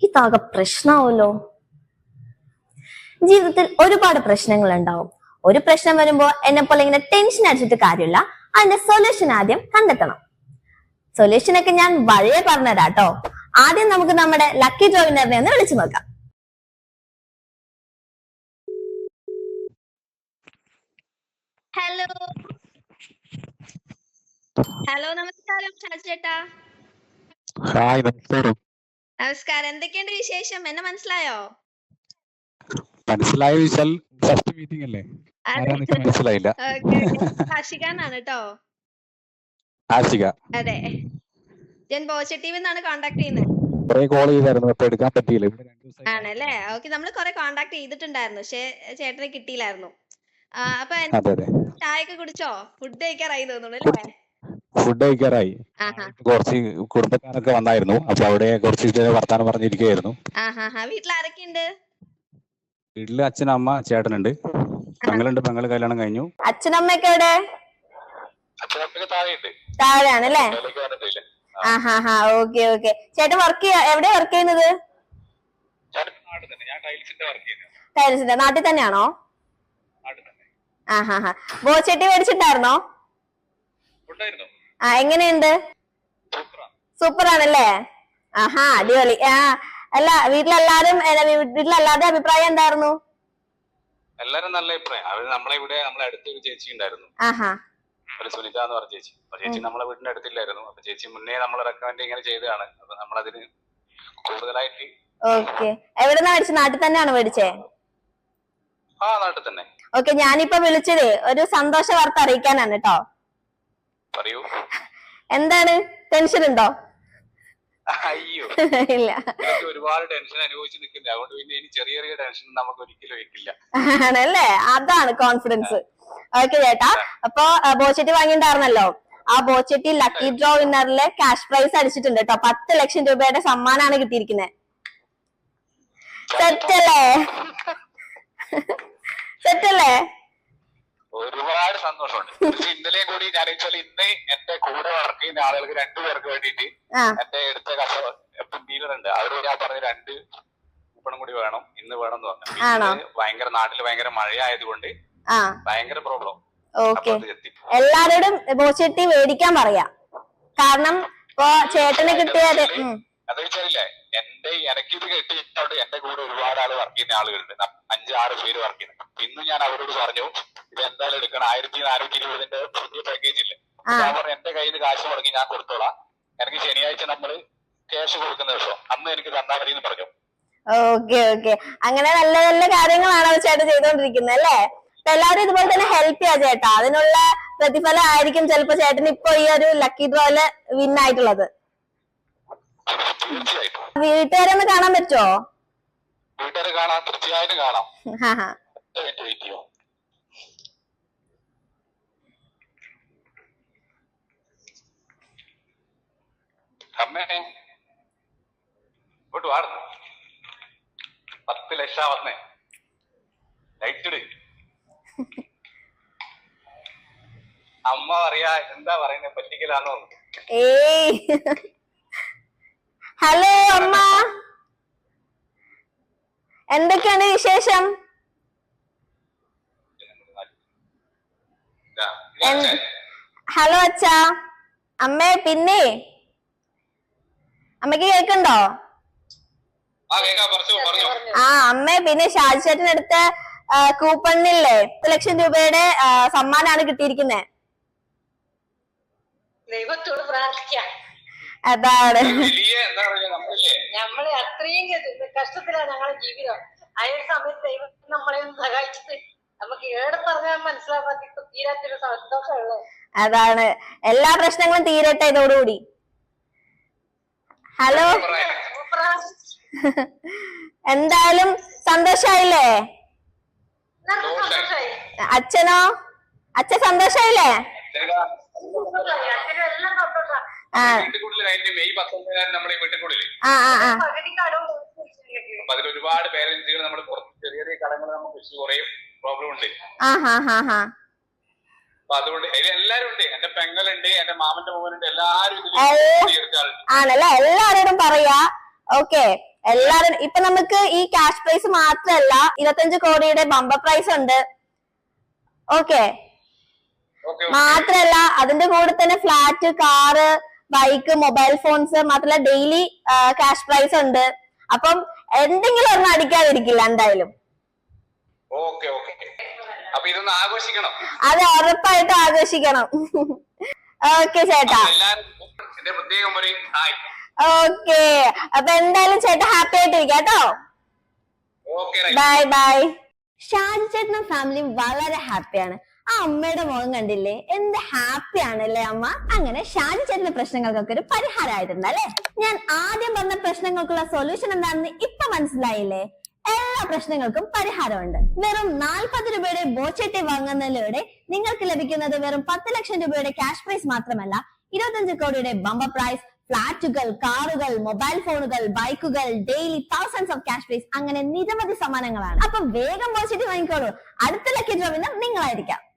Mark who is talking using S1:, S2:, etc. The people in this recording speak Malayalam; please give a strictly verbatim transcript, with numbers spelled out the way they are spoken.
S1: ഇതാകെ പ്രശ്നമാവല്ലോ. ജീവിതത്തിൽ ഒരുപാട് പ്രശ്നങ്ങൾ ഉണ്ടാവും. ഒരു പ്രശ്നം വരുമ്പോ എന്നെ പോലെ ഇങ്ങനെ ടെൻഷൻ അടിച്ചിട്ട് കാര്യമില്ല, അതിന്റെ സൊല്യൂഷൻ ആദ്യം കണ്ടെത്തണം. സൊല്യൂഷൻ ഒക്കെ ഞാൻ വഴിയെ പറഞ്ഞുതരാട്ടോ. ആദ്യം നമുക്ക് നമ്മുടെ ലക്കി ഡ്രോ വിന്നറിനെ ഒന്ന് വിളിച്ചു നോക്കാം.
S2: ഹലോ ഹലോ നമസ്കാരം ഷാജി ചേട്ടാ.
S3: ഹായ് നമസ്കാരം.
S2: നമസ്കാരം, എന്തൊക്കെയുണ്ട് വിശേഷം? എന്നെ മനസ്സിലായോ?
S3: മനസ്സിലായ വിശാൽ ഫസ്റ്റ് മീറ്റിംഗ് അല്ലേ? ആരാന്ന് മനസ്സിലായില്ല.
S2: ആഷിഖാനാണ് കേട്ടോ.
S3: ആഷിക.
S2: അതെ, ഞാൻ പോസിറ്റീവ് നിന്നാണ് കോണ്ടാക്ട് ചെയ്യുന്നത്.
S3: കുറെ കോൾ ചെയ്തായിരുന്നു, അപ്പൊ എടുക്കാൻ പറ്റിയില്ല.
S2: ആണല്ലേ? ഓക്കെ, നമ്മൾ കുറെ കോണ്ടാക്ട് ചെയ്തിട്ടുണ്ടായിരുന്നു, പക്ഷെ ചേട്ടനെ കിട്ടിയില്ലായിരുന്നു. അപ്പൊ ചായ ഒക്കെ കുടിച്ചോ? ഫുഡ് കഴിക്കാറായി തോന്നുന്നു അല്ലേ?
S3: ഫുഡ് കഴിക്കാറായി. കുറച്ച് കുടുംബക്കാരൊക്കെ വന്നായിരുന്നു, അപ്പൊ അവിടെ കുറച്ച് വർത്താനം പറഞ്ഞിരിക്കുകയായിരുന്നു.
S2: വീട്ടിൽ ആരൊക്കെയുണ്ട്?
S3: വീട്ടില് അച്ഛൻ, അമ്മ, ചേട്ടനുണ്ട്, പെങ്ങളുണ്ട്. പെങ്ങള് കല്യാണം കഴിഞ്ഞു.
S1: അച്ഛനമ്മയൊക്കെ എവിടെ? താഴെയാണല്ലേ? ആഹാ, ഓക്കെ ഓക്കെ. ചേട്ടൻ വർക്ക് ചെയ്യാ എവിടെയാ വർക്ക് ചെയ്യുന്നത്? ടൈൽസിന്റെ നാട്ടിൽ തന്നെയാണോ? ആഹാ ഹാ. ബോച്ചട്ടി മേടിച്ചിട്ടായിരുന്നോ? ആ, എങ്ങനെയുണ്ട്? സൂപ്പർ ആണല്ലേ? ആഹാ, അടിപൊളി. ആ അല്ല, വീട്ടിലെല്ലാരും വീട്ടിലെല്ലാരുടെ അഭിപ്രായം എന്തായിരുന്നു?
S3: എല്ലാരും നല്ല അഭിപ്രായം. അവര് നമ്മളെ ഇവിടെ നമ്മളെ അടുത്തൊരു ചേച്ചി ഉണ്ടായിരുന്നു,
S1: ആഹാ,
S3: ഒരു സുനിത എന്ന് പറഞ്ഞ ചേച്ചി. അപ്പൊ ചേച്ചി നമ്മളെ വീടിന്റെ അടുത്തില്ലായിരുന്നു. അപ്പൊ ചേച്ചി മുന്നേ നമ്മളെ റെക്കമെൻഡ് ഇങ്ങനെ ചെയ്തതാണ്. അപ്പൊ നമ്മളതിന് കൂടുതലായിട്ട്.
S1: ഓക്കെ. എവിടെന്നാ മേടിച്ചത്? നാട്ടിൽ തന്നെയാണോ മേടിച്ചേ?
S3: ആ, നാട്ടിൽ തന്നെ.
S1: ഓക്കെ, ഞാനിപ്പോ വിളിച്ചതേ ഒരു സന്തോഷ വാർത്ത അറിയിക്കാനാണ് കേട്ടോ.
S3: പറയൂ.
S1: എന്താണ്, ടെൻഷൻ ഉണ്ടോ?
S3: അയ്യോ
S1: ഇല്ല,
S3: ഒരുപാട് ടെൻഷൻ അനുഭവിച്ച് നിൽക്കില്ല, അതുകൊണ്ട് പിന്നെ ഇനി ചെറിയ ചെറിയ ടെൻഷൻ നമുക്ക് ഒരിക്കലും വെക്കില്ല.
S1: ആണല്ലേ? അതാണ് കോൺഫിഡൻസ്. ഓക്കെ ചേട്ടാ, അപ്പൊ ബോച്ചട്ടി വാങ്ങിണ്ടായിരുന്നല്ലോ, ആ ബോച്ചട്ടി ലക്കി ഡ്രോ വിന്നറിലെ ക്യാഷ് പ്രൈസ് അടിച്ചിട്ടുണ്ട് കേട്ടോ. പത്ത് ലക്ഷം രൂപയുടെ സമ്മാനാണ് കിട്ടിയിരിക്കുന്നത്. സെറ്റല്ലേ? സെറ്റല്ലേ?
S3: ഒരുപാട് സന്തോഷമുണ്ട്. ഇന്നലെയും കൂടി ഞാൻ വെച്ചാൽ ഇന്ന് എന്റെ കൂടെ വർക്ക് ചെയ്യുന്ന ആളുകൾക്ക് രണ്ടുപേർക്ക് വേണ്ടിയിട്ട് എന്റെ അടുത്ത കസ്റ്റമർ ഡീലർ ഉണ്ട്, അവരോട് ഞാൻ പറഞ്ഞ രണ്ട് കൂപ്പണും കൂടി വേണം, ഇന്ന് വേണം എന്ന് പറഞ്ഞു. ഭയങ്കര നാട്ടില് ഭയങ്കര മഴയായതുകൊണ്ട് ഭയങ്കര പ്രോബ്ലം.
S1: ഓക്കെ, എല്ലാരോടും ബോച്ചട്ടി മേടിക്കാൻ പറയാ. കാരണം ഇപ്പൊ ചേട്ടന് കിട്ടിയത്
S3: അത് വെച്ചാലില്ലേ, എന്റെ എനിക്കിത് കിട്ടിയിട്ടുണ്ട്. എന്റെ കൂടെ ഒരുപാട് ആള് വർക്ക് ചെയ്യുന്ന ആളുകളുണ്ട്, അഞ്ചാറ് പേര് വർക്ക് ചെയ്യുന്നത്. ഇന്ന് ഞാൻ അവരോട് പറഞ്ഞു ഇത് എന്തായാലും എടുക്കണം, ആയിരത്തി നാനൂറ്റി ഇരുപതിന്റെ പുതിയ പാക്കേജ് ഇല്ലേ. ഞാൻ പറഞ്ഞു എന്റെ കയ്യിൽ നിന്ന് കാശ് മുടങ്ങി ഞാൻ കൊടുത്തോളാം, എനിക്ക് ശനിയാഴ്ച നമ്മള് ക്യാഷ് കൊടുക്കുന്ന ദിവസം അന്ന് എനിക്ക് തന്നാ മതി എന്ന് പറഞ്ഞു.
S1: ഓക്കെ ഓക്കെ, അങ്ങനെ നല്ല നല്ല കാര്യങ്ങളാണ് ചേട്ടൻ ചെയ്തോണ്ടിരിക്കുന്നത് അല്ലേ? എല്ലാവരും ഇതുപോലെ തന്നെ ഹെൽപ്പ് ചെയ്യാ ചേട്ടാ. അതിനുള്ള പ്രതിഫലം ആയിരിക്കും ചിലപ്പോ ചേട്ടൻ ഇപ്പൊ ഈ ഒരു ലക്കി ഡ്രോയില് വിൻ ആയിട്ടുള്ളത്. വീട്ടുകാരെ ഒന്ന് കാണാൻ പറ്റുമോ?
S3: വീട്ടുകാരെ കാണാം, തീർച്ചയായിട്ടും കാണാം. അമ്മേ ഇങ്ങോട്ട് വാടുന്നു, പത്ത് ലക്ഷം വന്നേ, ലൈറ്റ്. അമ്മ പറയാ എന്താ പറയുന്നത്, പറ്റിക്കലാന്നോ?
S1: ഏയ്, ഹലോ അമ്മ, എന്തൊക്കെയാണ് വിശേഷം? ഹലോ അച്ഛാ, അമ്മേ. പിന്നെ അമ്മക്ക് കേൾക്കണ്ടോ? ആ അമ്മേ, പിന്നെ ഷാജി ചേട്ടനടുത്ത കൂപ്പണില്ലേ പത്ത് ലക്ഷം രൂപയുടെ സമ്മാനാണ് കിട്ടിയിരിക്കുന്നത്.
S4: ദൈവത്തോട് പ്രാർത്ഥിക്കാം.
S1: അതാണ്,
S4: നമ്മള് അത്രയും കഷ്ടത്തിലാണ് ഞങ്ങളുടെ ജീവിതം. ആ ഒരു സമയത്ത് ദൈവം നമ്മളെ ഒന്ന് സഹായിച്ചിട്ട് നമുക്ക് ഏടെ പറഞ്ഞാൽ മനസ്സിലാക്കാത്ത തീരാത്തൊരു സന്തോഷമുള്ളത്.
S1: അതാണ്, എല്ലാ പ്രശ്നങ്ങളും തീരട്ടെ ഇതോടുകൂടി. ഹലോ, എന്തായാലും സന്തോഷായില്ലേ? അച്ഛനോ? അച്ഛൻ സന്തോഷായില്ലേ?
S3: ഒരുപാട് പേരൻസുകൾ നമ്മൾ ചെറിയ ചെറിയ കടങ്ങൾ നമുക്ക് കുറെ പ്രോബ്ലം ഉണ്ട്. അപ്പൊ അതുകൊണ്ട് എല്ലാരും ഉണ്ട്, എന്റെ പെങ്ങളുണ്ട്, എന്റെ മാമന്റെ മോനുണ്ട്, എല്ലാരും
S1: ആണല്ലേ? എല്ലാരോടും പറയാ. ഓക്കെ, എല്ലാരും ഇപ്പൊ നമുക്ക് ഈ ക്യാഷ് പ്രൈസ് മാത്രമല്ല ഇരുപത്തഞ്ച് കോടിയുടെ ബമ്പർ പ്രൈസ് ഉണ്ട്. ഓക്കെ, മാത്രല്ല അതിന്റെ കൂടെ തന്നെ flat, car, bike, mobile phones മാത്രല്ല ഡെയിലി ക്യാഷ് പ്രൈസ് ഉണ്ട്. അപ്പം എന്തെങ്കിലും ഒരെണ്ണം അടിക്കാതിരിക്കില്ല എന്തായാലും.
S3: ഓക്കെ ഓക്കെ, അപ്പൊ ഇതൊന്ന് ആഘോഷിക്കണം.
S1: അത് ഉറപ്പായിട്ടും ആഘോഷിക്കണം. ഓക്കെ ചേട്ടാ,
S3: പ്രത്യേകം പറയും.
S1: ഓക്കെ, അപ്പൊ എന്തായാലും ചേട്ടാ ഹാപ്പി ആയിട്ടിരിക്കാം കേട്ടോ. Bye bye. ഷാജി ചേട്ടനും ഫാമിലിയും വളരെ ഹാപ്പിയാണ്. ആ അമ്മയുടെ മുഖം കണ്ടില്ലേ, എന്ത് ഹാപ്പി ആണല്ലേ അമ്മ. അങ്ങനെ ഷാജി ചേട്ടന്റെ പ്രശ്നങ്ങൾക്കൊക്കെ ഒരു പരിഹാരമായിട്ടുണ്ട് അല്ലെ. ഞാൻ ആദ്യം പറഞ്ഞ പ്രശ്നങ്ങൾക്കുള്ള സൊല്യൂഷൻ എന്താണെന്ന് ഇപ്പൊ മനസ്സിലായില്ലേ? എല്ലാ പ്രശ്നങ്ങൾക്കും പരിഹാരമുണ്ട്. വെറും നാൽപ്പത് രൂപയുടെ ബോച്ചെട്ടി വാങ്ങുന്നതിലൂടെ നിങ്ങൾക്ക് ലഭിക്കുന്നത് വെറും പത്ത് ലക്ഷം രൂപയുടെ ക്യാഷ് പ്രൈസ് മാത്രമല്ല, ഇരുപത്തഞ്ച് കോടിയുടെ ബമ്പർ പ്രൈസ്, ഫ്ലാറ്റുകൾ, കാറുകൾ, മൊബൈൽ ഫോണുകൾ, ബൈക്കുകൾ, daily thousands of cash prize, അങ്ങനെ നിരവധി സമ്മാനങ്ങളാണ്. അപ്പൊ വേഗം ബോച്ചെട്ടി വാങ്ങിക്കോളൂ. അടുത്ത ലക്കി ഡ്രോ വിന്നർ നിങ്ങളായിരിക്കാം.